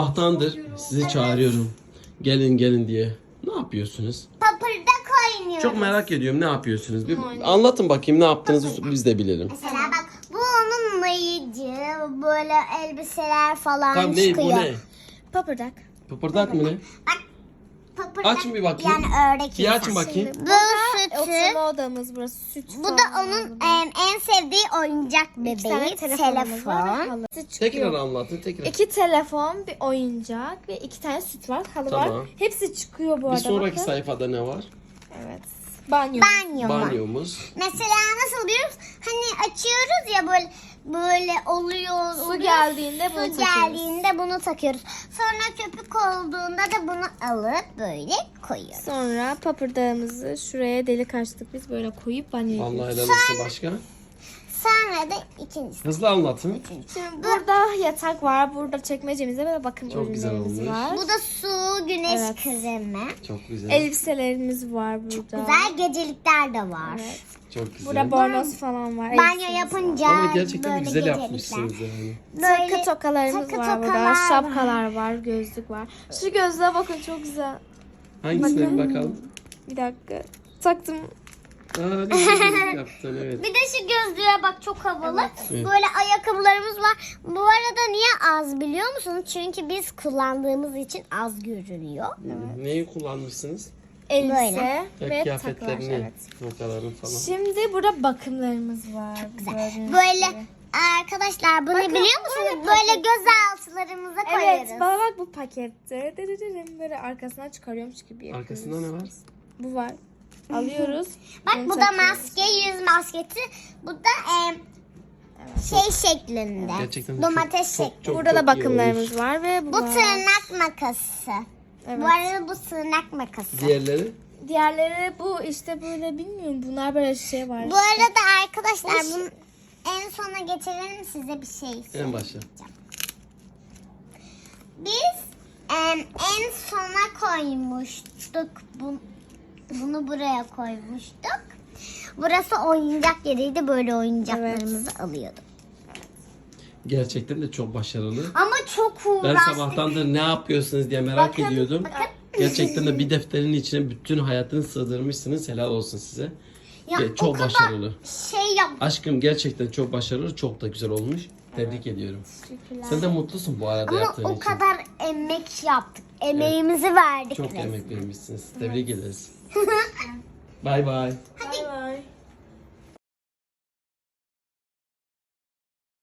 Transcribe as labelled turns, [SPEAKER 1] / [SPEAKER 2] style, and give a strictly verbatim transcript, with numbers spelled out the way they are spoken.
[SPEAKER 1] Sabahtandır sizi çağırıyorum. Gelin gelin diye. Ne yapıyorsunuz?
[SPEAKER 2] Papırdak oynuyoruz.
[SPEAKER 1] Çok merak ediyorum, ne yapıyorsunuz? Bir anlatın bakayım, ne yaptığınızı biz de bilelim.
[SPEAKER 2] Mesela bak, bu onun mayıcı, böyle elbiseler falan
[SPEAKER 1] Tamam, ne
[SPEAKER 2] çıkıyor.
[SPEAKER 1] bu ne?
[SPEAKER 3] Papırdak.
[SPEAKER 1] Pıpırdak mı ne?
[SPEAKER 2] Bak, papırdak
[SPEAKER 1] Açın bir bakayım.
[SPEAKER 2] yani ördek
[SPEAKER 1] Bir açın
[SPEAKER 2] insan.
[SPEAKER 1] bakayım.
[SPEAKER 2] Bu
[SPEAKER 3] Oturma
[SPEAKER 2] sütü,
[SPEAKER 3] odamız burası. Süt
[SPEAKER 2] bu da onun em, en sevdiği oyuncak bebeği, telefon.
[SPEAKER 1] Tekrar anlatın, tekrar.
[SPEAKER 3] İki telefon, bir oyuncak ve iki tane süt var, halı
[SPEAKER 1] Tamam.
[SPEAKER 3] var. Hepsi çıkıyor bu
[SPEAKER 1] Bir
[SPEAKER 3] arada.
[SPEAKER 1] sonraki
[SPEAKER 3] bakın.
[SPEAKER 1] sayfada ne var?
[SPEAKER 3] Evet. Banyo.
[SPEAKER 2] Banyo mu?
[SPEAKER 1] Banyomuz.
[SPEAKER 2] Mesela nasıl diyoruz? Hani açıyoruz ya, böyle böyle oluyor.
[SPEAKER 3] Su
[SPEAKER 2] oluyor.
[SPEAKER 3] geldiğinde
[SPEAKER 2] Su
[SPEAKER 3] bunu takıyoruz.
[SPEAKER 2] geldiğinde bunu takıyoruz. Sonra köpük olduğunda da bunu alıp böyle koyuyoruz.
[SPEAKER 3] Sonra papırdağımızı şuraya delik açtık biz, böyle koyup banyo
[SPEAKER 1] Vallahi
[SPEAKER 3] yapıyoruz.
[SPEAKER 1] helal olsun, başka.
[SPEAKER 2] Sonra da ikincisi.
[SPEAKER 1] Hızlı anlatın.
[SPEAKER 3] Şimdi burada yatak var, burada çekmecemizde böyle bakım
[SPEAKER 1] Çok güzel
[SPEAKER 3] ürünlerimiz
[SPEAKER 1] olmuş.
[SPEAKER 3] var.
[SPEAKER 2] Bu da su, güneş
[SPEAKER 3] Evet.
[SPEAKER 2] kremi.
[SPEAKER 1] Çok güzel.
[SPEAKER 3] Elbiselerimiz var burada.
[SPEAKER 2] Güzel gecelikler de var.
[SPEAKER 3] Evet.
[SPEAKER 1] Çok güzel.
[SPEAKER 3] Burada bornoz falan var.
[SPEAKER 2] Banyo
[SPEAKER 3] elbisemiz
[SPEAKER 2] yapınca
[SPEAKER 1] Ama gerçekten
[SPEAKER 2] böyle
[SPEAKER 1] güzel
[SPEAKER 2] gecelikler.
[SPEAKER 1] yapmışsınız yani.
[SPEAKER 2] Böyle
[SPEAKER 3] Takı tokalarımız
[SPEAKER 2] takı
[SPEAKER 3] var burada.
[SPEAKER 2] tokalar var.
[SPEAKER 3] Şapkalar var, gözlük var. Şu gözlüğe bakın, çok güzel.
[SPEAKER 1] Hangisine bir bakalım?
[SPEAKER 3] Bir dakika. Taktım.
[SPEAKER 1] Aa, ne güzel yaptın, evet.
[SPEAKER 2] Bir de şu gözlüğe bak, çok havalı.
[SPEAKER 1] Evet.
[SPEAKER 2] Böyle ayakkabılarımız var. Bu arada niye az biliyor musunuz? Çünkü biz kullandığımız için az görünüyor.
[SPEAKER 1] Neyi kullanmışsınız?
[SPEAKER 3] Elbise
[SPEAKER 1] Ya,
[SPEAKER 3] ve takılar.
[SPEAKER 1] kıyafetlerini,
[SPEAKER 3] Evet.
[SPEAKER 1] notalarını falan.
[SPEAKER 3] Şimdi burada bakımlarımız var. Gördüğünüz
[SPEAKER 2] Böyle
[SPEAKER 3] gibi.
[SPEAKER 2] arkadaşlar, bunu
[SPEAKER 3] Bakın,
[SPEAKER 2] biliyor musunuz?
[SPEAKER 3] böyle
[SPEAKER 2] Böyle göz altlarımıza koyuyoruz.
[SPEAKER 3] Evet, bana bak, bu pakette. Dırırırım, böyle arkasından çıkarıyormuş gibi yapıyoruz.
[SPEAKER 1] Arkasında ne var?
[SPEAKER 3] Bu var. Alıyoruz.
[SPEAKER 2] Bak,
[SPEAKER 3] bunu
[SPEAKER 2] bu da
[SPEAKER 3] takıyoruz.
[SPEAKER 2] maske, yüz maskesi. Bu da em, şey şeklinde.
[SPEAKER 1] Gerçekten de
[SPEAKER 2] Domates
[SPEAKER 1] çok-
[SPEAKER 2] şeklinde.
[SPEAKER 1] çok-
[SPEAKER 3] Burada da
[SPEAKER 1] iyi
[SPEAKER 3] bakımlarımız var ve bu,
[SPEAKER 2] Bu
[SPEAKER 3] var.
[SPEAKER 2] tırnak makası.
[SPEAKER 3] Evet.
[SPEAKER 2] Bu arada bu tırnak makası.
[SPEAKER 1] Diğerleri?
[SPEAKER 3] Diğerleri bu işte, böyle bilmiyorum. Bunlar böyle şey var.
[SPEAKER 2] Bu arada arkadaşlar, bunu en sona getirelim, size bir şey.
[SPEAKER 1] En başa.
[SPEAKER 2] Biz em, en sona koymuştuk. Bu, bunu buraya koymuştuk. Burası oyuncak yeriydi. Böyle oyuncaklarımızı alıyorduk.
[SPEAKER 1] Gerçekten de çok başarılı.
[SPEAKER 2] Ama çok
[SPEAKER 1] Ben
[SPEAKER 2] uğraştık.
[SPEAKER 1] sabahtandır ne yapıyorsunuz diye merak
[SPEAKER 2] Bakın,
[SPEAKER 1] ediyordum.
[SPEAKER 2] bakın.
[SPEAKER 1] Gerçekten de bir defterin içine bütün hayatını sığdırmışsınız. Helal olsun size.
[SPEAKER 2] Ya,
[SPEAKER 1] Ge-
[SPEAKER 2] o
[SPEAKER 1] çok
[SPEAKER 2] kadar
[SPEAKER 1] başarılı.
[SPEAKER 2] Şey yap.
[SPEAKER 1] Aşkım gerçekten çok başarılı, çok da güzel olmuş. Tebrik ediyorum.
[SPEAKER 3] Teşekkürler.
[SPEAKER 1] Sen de mutlusun bu arada
[SPEAKER 2] Ama
[SPEAKER 1] yaptığın
[SPEAKER 2] o
[SPEAKER 1] için.
[SPEAKER 2] kadar emek yaptık. Emeğimizi verdik.
[SPEAKER 1] Çok
[SPEAKER 2] resmen.
[SPEAKER 1] emek vermişsiniz. Tebrik ederiz. Bay bay.
[SPEAKER 2] Hadi